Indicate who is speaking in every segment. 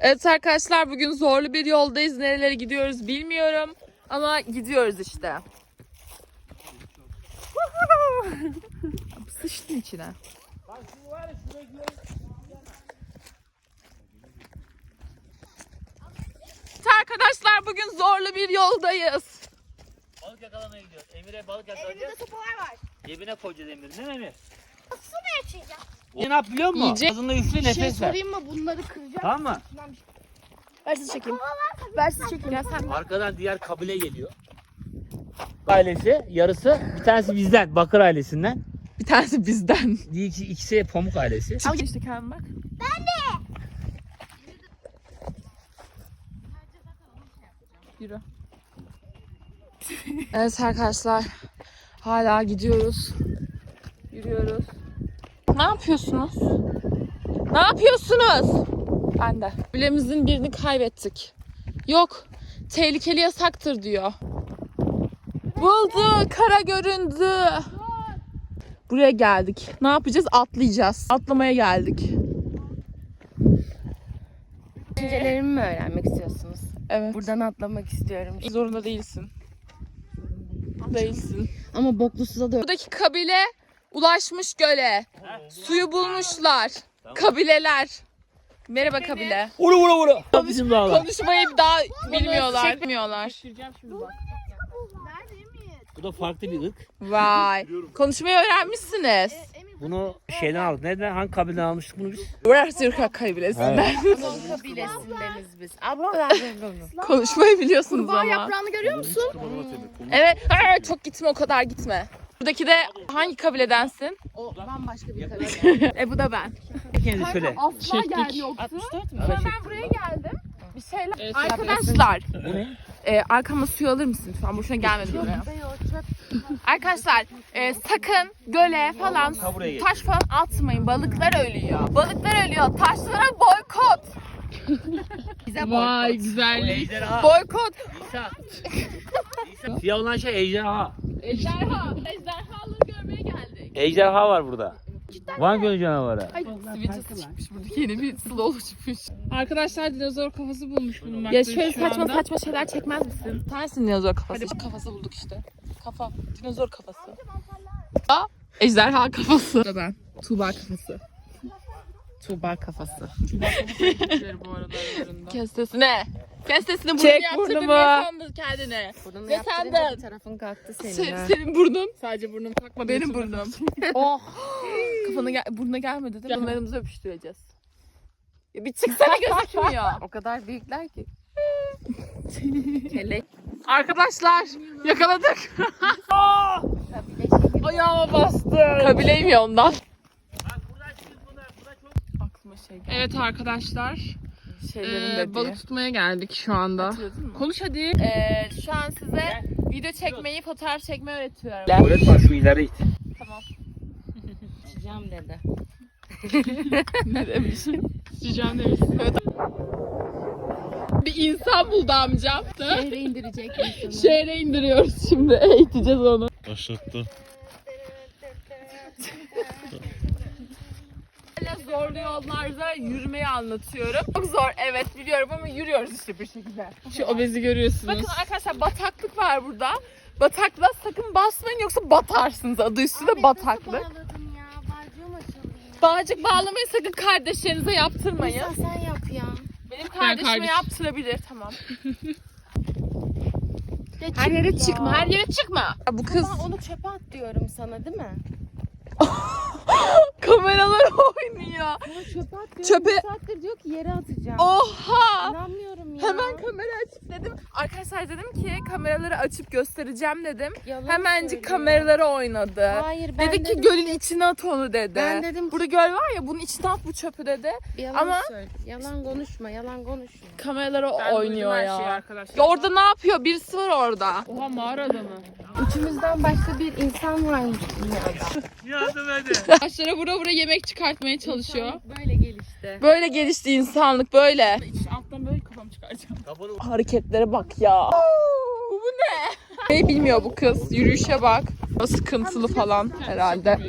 Speaker 1: Evet arkadaşlar, bugün zorlu bir yoldayız. Nerelere gidiyoruz bilmiyorum ama gidiyoruz işte. Sıçtın içine. Arkadaşlar, bugün zorlu bir yoldayız.
Speaker 2: Balık yakalamaya gidiyoruz. Emir'e balık yakalayacağız.
Speaker 3: Elimde sopalar var.
Speaker 2: Cebine koyacağız Emir. Ne Emir?
Speaker 3: Su mu açacağım?
Speaker 2: O ne yap biliyor musun?
Speaker 1: Yiyecek.
Speaker 2: Ağzında üfle nefes ver.
Speaker 3: mı? Bunları kıracağım.
Speaker 2: Tamam mı?
Speaker 3: Versiz çekeyim. Versiz çekeyim. Ya sen
Speaker 2: Arkadan diğer kabile geliyor. Ailesi yarısı, bir tanesi bizden, Bakır ailesinden.
Speaker 1: Bir tanesi bizden.
Speaker 2: İkisi Pamuk ailesi.
Speaker 1: Al işte kendin bak. Yürü. Evet arkadaşlar, hala gidiyoruz. Yürüyoruz. Ne yapıyorsunuz? Ne yapıyorsunuz? Ben de. Bilemizin birini kaybettik. Yok, tehlikeli yasaktır diyor. Buldu, kara göründü. Buraya geldik. Ne yapacağız? Atlayacağız. Atlamaya geldik.
Speaker 3: düşüncelerimi mi öğrenmek istiyorsunuz?
Speaker 1: Evet.
Speaker 3: Buradan atlamak istiyorum.
Speaker 1: Zorunda değilsin. Değilsin.
Speaker 3: Ama Boklusu'da da
Speaker 1: Buradaki kabile ulaşmış göle. Suyu bulmuşlar. Kabileler. Merhaba kabile.
Speaker 2: Vura. Bizim dağlar.
Speaker 1: Konuşmayı daha bilmiyorlar. Bilmiyorlar.
Speaker 2: Bu da farklı bir ırk.
Speaker 1: Vay. Konuşmayı öğrenmişsiniz.
Speaker 2: Bunu şeyden aldık. Nereden? Hangi kabileden almıştık bunu biz?
Speaker 1: Burası Türk kabilesinden.
Speaker 3: kabilesindeniz biz.
Speaker 1: Konuşmayı biliyorsunuz
Speaker 3: Kurbağa
Speaker 1: ama.
Speaker 3: yaprağını görüyor musun?
Speaker 1: Evet. Çok gitme, o kadar gitme. Buradaki de hangi kabiledensin?
Speaker 3: O bambaşka bir kabile.
Speaker 1: Bu da ben.
Speaker 2: Kendiniz söyle.
Speaker 1: Asla yer yoktu.
Speaker 3: 64 mü?
Speaker 1: Sonra ben buraya geldim. Bir şeyler. Arkadaşlar.
Speaker 2: Bu ne?
Speaker 1: Arkama suyu alır mısın lütfen? Boşuna gelmedim buraya. Arkadaşlar sakın göle falan
Speaker 2: buraya
Speaker 1: taş falan atmayın. Balıklar ölüyor. Balıklar ölüyor. Taşlara boykot.
Speaker 3: Bize
Speaker 1: Vay
Speaker 2: O
Speaker 1: güzellik.
Speaker 2: ejderha.
Speaker 1: Boykot.
Speaker 2: İsa. Siyah olan şey ejderha.
Speaker 1: Ejderha. Ejderhaları görmeye geldik.
Speaker 2: Ejderha var burada. Van Gölü canavarı.
Speaker 1: Sivilcesi çıkmış buradaki yeni bir slow çıkmış.
Speaker 4: Arkadaşlar dinozor kafası bulmuş bulunmaktayız
Speaker 1: Ya şöyle
Speaker 4: şu
Speaker 1: saçma
Speaker 4: anda.
Speaker 1: saçma şeyler çekmez misin? Tersin dinozor kafası. Hadi kafası bulduk işte. Kafa. Dinozor kafası. Ejderha kafası. Da ben. Tuğba kafası. Tuğba kafası.
Speaker 4: Kafası bu arada aralarında.
Speaker 1: Kes sesini. Kes sesini, burnunu Çek yaptırdın. burnumu. Niye sandın kendine?
Speaker 3: Burnunu
Speaker 1: Ve
Speaker 3: yaptırınca
Speaker 1: senden.
Speaker 3: bir tarafın kalktı senin. ha.
Speaker 1: Senin burnun.
Speaker 4: Sadece burnum takmadı.
Speaker 1: Benim burnum. Oh. Burnuna gelmedi de bunlarımızı öpüştüreceğiz. Ya bir çıksana, gözükmüyor.
Speaker 3: O kadar büyükler ki.
Speaker 1: Kelek. Arkadaşlar yakaladık. Ayağıma bastı. Kabileyim ya ondan. Aklıma şey geldi.
Speaker 4: Evet arkadaşlar.
Speaker 1: Şeylerin dediği.
Speaker 4: Balık tutmaya geldik şu anda.
Speaker 1: Hatırladın mı?
Speaker 4: Konuş hadi.
Speaker 1: Şu an size video çekmeyi, fotoğraf çekmeyi öğretiyorum.
Speaker 2: Öğretmen şu ileri it.
Speaker 1: Tamam.
Speaker 3: Açacağım dedi.
Speaker 1: Ne demiş?
Speaker 4: Sıcağım demişsin.
Speaker 1: Bir insan buldu amcam.
Speaker 3: Şehre indirecek insanı.
Speaker 1: Şehre indiriyoruz şimdi. Eğiteceğiz onu.
Speaker 5: Başlattı.
Speaker 1: Zorlu yollarda yürümeyi anlatıyorum. Çok zor, evet biliyorum ama yürüyoruz işte bir şekilde.
Speaker 4: Şu obezi görüyorsunuz.
Speaker 1: Bakın arkadaşlar, bataklık var burada. Bataklığa sakın basmayın yoksa batarsınız. Adı üstünde bataklık.
Speaker 3: Bağladım ya. Bağcığım açıldı.
Speaker 1: Bağcık bağlamayı sakın kardeşlerinize yaptırmayın.
Speaker 3: Sen yap ya.
Speaker 1: Benim kardeşime
Speaker 4: kardeş-
Speaker 1: yaptırabilir, tamam.
Speaker 3: Ya
Speaker 1: Her yere çıkma, her yere çıkma. Bu kız
Speaker 3: Ben onu çöpe at diyorum sana değil mi?
Speaker 1: kameralar oynuyor.
Speaker 3: Onu çöpe at diyorum.
Speaker 1: Çöpe-
Speaker 3: Bir saattir diyor ki yere atacağım.
Speaker 1: Oha!
Speaker 3: İnanmıyorum ya.
Speaker 1: Hemen kamera açıp dedim. Arkadaşlar dedim ki kameraları açıp göstereceğim dedim.
Speaker 3: Yalan
Speaker 1: Hemencik
Speaker 3: söylüyor.
Speaker 1: kameraları oynadı.
Speaker 3: Hayır, ben
Speaker 1: Dedi ki
Speaker 3: dedim
Speaker 1: gölün içine at onu dedi.
Speaker 3: Ben dedim ki-
Speaker 1: Burada göl var ya, bunun içine at bu çöpü dedi.
Speaker 3: Yalan
Speaker 1: Ama-
Speaker 3: söyle. Yalan konuşma, yalan konuşma.
Speaker 1: Kameraları
Speaker 4: Ben
Speaker 1: oynuyor
Speaker 4: duydum her
Speaker 1: ya.
Speaker 4: şeyi arkadaşlar.
Speaker 1: Ya orada ne yapıyor? Birisi var orada.
Speaker 4: Oha mağarada mı?
Speaker 3: Üçümüzden başka bir insan varmış dünyada.
Speaker 2: Yardım edin.
Speaker 4: Taşlara vura vura yemek çıkartmaya çalışıyor.
Speaker 3: Böyle gelişti.
Speaker 1: Böyle gelişti insanlık, böyle.
Speaker 4: Alttan böyle kafamı çıkaracağım.
Speaker 1: Hareketlere bak ya. Bu ne? Ne bilmiyor bu kız. Yürüyüşe bak. O sıkıntılı falan herhalde.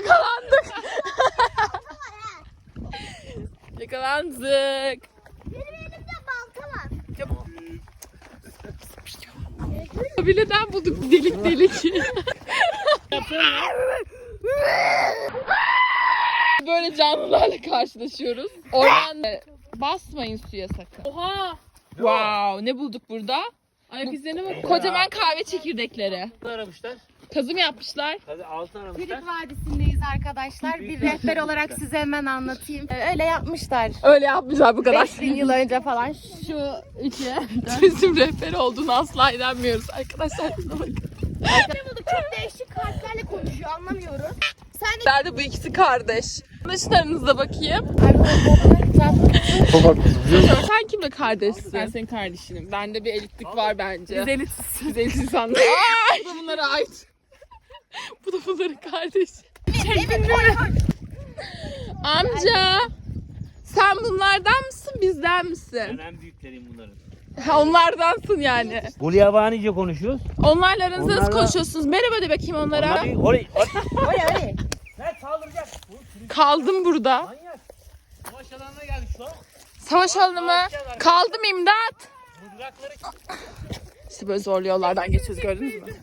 Speaker 1: Yakalandık. Yakalandık. Kabileden bulduk delik delik. Böyle canlılarla karşılaşıyoruz. Oradan basmayın suya sakın.
Speaker 4: Oha!
Speaker 1: Wow, ne bulduk burada?
Speaker 4: Ayak izlerine bak.
Speaker 1: Kocaman kahve çekirdekleri.
Speaker 2: Ne aramışlar?
Speaker 1: Kazım yapmışlar.
Speaker 2: Hadi altın aramışlar.
Speaker 3: Pirik Vadisi'ndeyiz arkadaşlar. Bir rehber olarak size hemen anlatayım. Öyle yapmışlar.
Speaker 1: Öyle yapmışlar bu kadar.
Speaker 3: 5000 yıl önce falan şu üçü.
Speaker 1: Turizm rehberi olduğunu asla inanmıyoruz arkadaşlar. Şuna bakın.
Speaker 3: Çok değişik harflerle konuşuyor anlamıyoruz. Sen de
Speaker 1: Nerede bu ikisi kardeş? Arkadaşlarınıza bakayım. Sen kimle kardeşsin?
Speaker 4: Ben senin kardeşinim. Bende bir elitlik var bence.
Speaker 1: Biz elitiz.
Speaker 4: Biz elit insanlar.
Speaker 1: Bu da bunlara ait. Bu da bunların kardeşi. Amca. Sen bunlardan mısın bizden misin?
Speaker 2: Ben en büyükleriyim bunların.
Speaker 1: Ha, onlardansın yani.
Speaker 2: Gulyabanice konuşuyoruz.
Speaker 1: Onlarla aranızda nasıl
Speaker 2: Onlarla-
Speaker 1: konuşuyorsunuz? Merhaba de bakayım onlara.
Speaker 2: Orayı.
Speaker 3: Öyle.
Speaker 2: Ne saldıracak?
Speaker 1: Kaldım burada.
Speaker 2: Manyak. Savaş alanına geldik şu an.
Speaker 1: Savaş alanı mı? Kaldım imdat.
Speaker 2: Mızrakları
Speaker 1: İşte böyle zorlu yollardan geçiyoruz gördünüz mü?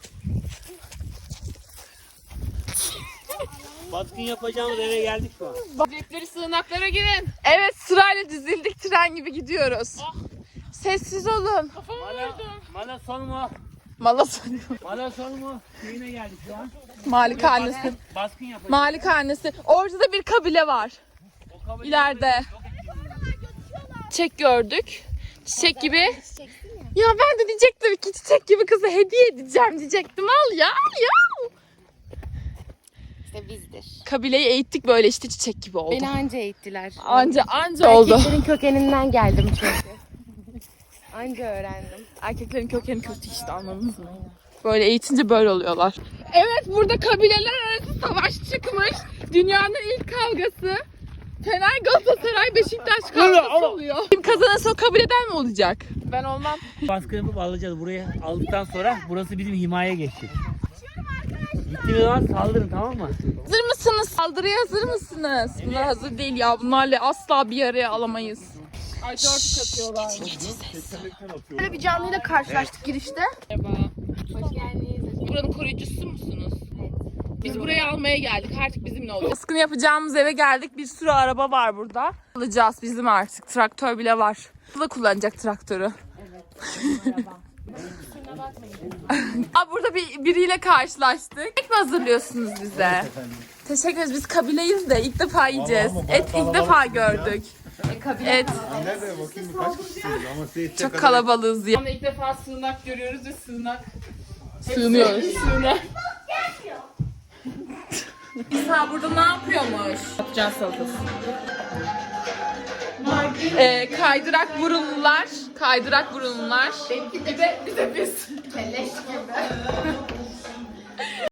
Speaker 2: baskın yapacağımız eve geldik şu an.
Speaker 4: Cepleri sığınaklara girin.
Speaker 1: Evet sırayla dizildik tren gibi gidiyoruz. Sessiz olun.
Speaker 2: Mala son mu?
Speaker 1: Mala
Speaker 2: Mala son mu? Köyüne geldik şu an.
Speaker 1: Malikanesi.
Speaker 2: Baskın yapacağız.
Speaker 1: Malikanesi. Orada da bir kabile var.
Speaker 2: O kabul
Speaker 1: İleride. Çiçek gördük. Çiçek gibi. Ya ben de diyecektim ki çiçek gibi kızı hediye edeceğim diyecektim. Al ya al ya.
Speaker 3: İşte bizdir.
Speaker 1: Kabileyi eğittik böyle işte çiçek gibi oldu.
Speaker 3: Beni anca eğittiler.
Speaker 1: Anca oldu.
Speaker 3: Erkeklerin kökeninden geldim çünkü. Anca öğrendim.
Speaker 1: Erkeklerin kökeni kötü işte anladınız mı? Böyle eğitince böyle oluyorlar. Evet burada kabileler arası savaş çıkmış. Dünyanın ilk kavgası. Fener Galatasaray Beşiktaş kavgası oluyor. Kim kazanırsa o kabileden mi olacak? Ben olmam.
Speaker 2: Baskın yapıp alacağız. Buraya aldıktan sonra burası bizim himaye geçecek. Gittiğimiz zaman saldırın, tamam mı?
Speaker 1: Hazır mısınız? Saldırıya hazır mısınız? Bunlar hazır değil ya. Bunlarla asla bir araya alamayız.
Speaker 4: Ay 4 katıyorlar.
Speaker 3: Böyle bir canlıyla karşılaştık girişte.
Speaker 4: Merhaba.
Speaker 3: Hoş geldiniz.
Speaker 1: Buranın koruyucusu musunuz? Biz burayı almaya geldik. Artık bizimle olacak. Baskını yapacağımız eve geldik. Bir sürü araba var burada. Alacağız bizim artık. Traktör bile var. Bu da kullanacak traktörü. Aa, burada biriyle karşılaştık. Et mi hazırlıyorsunuz bize? Teşekkür ederiz. Biz kabileyiz de ilk defa yiyeceğiz. Et ilk defa gördük. Et.
Speaker 5: Nerede bakayım kaç kişisiniz ama size yetecek
Speaker 1: Çok
Speaker 5: kadar-
Speaker 1: kalabalığız ya.
Speaker 4: Ama ilk defa sığınak görüyoruz ve sığınak.
Speaker 1: Sığınıyoruz. İsa burada ne yapıyormuş?
Speaker 4: Patlıcan salatası.
Speaker 1: Kaydırak burunlular. Kaydırak burunlular.
Speaker 3: Bir de biz. Kelleş gibi.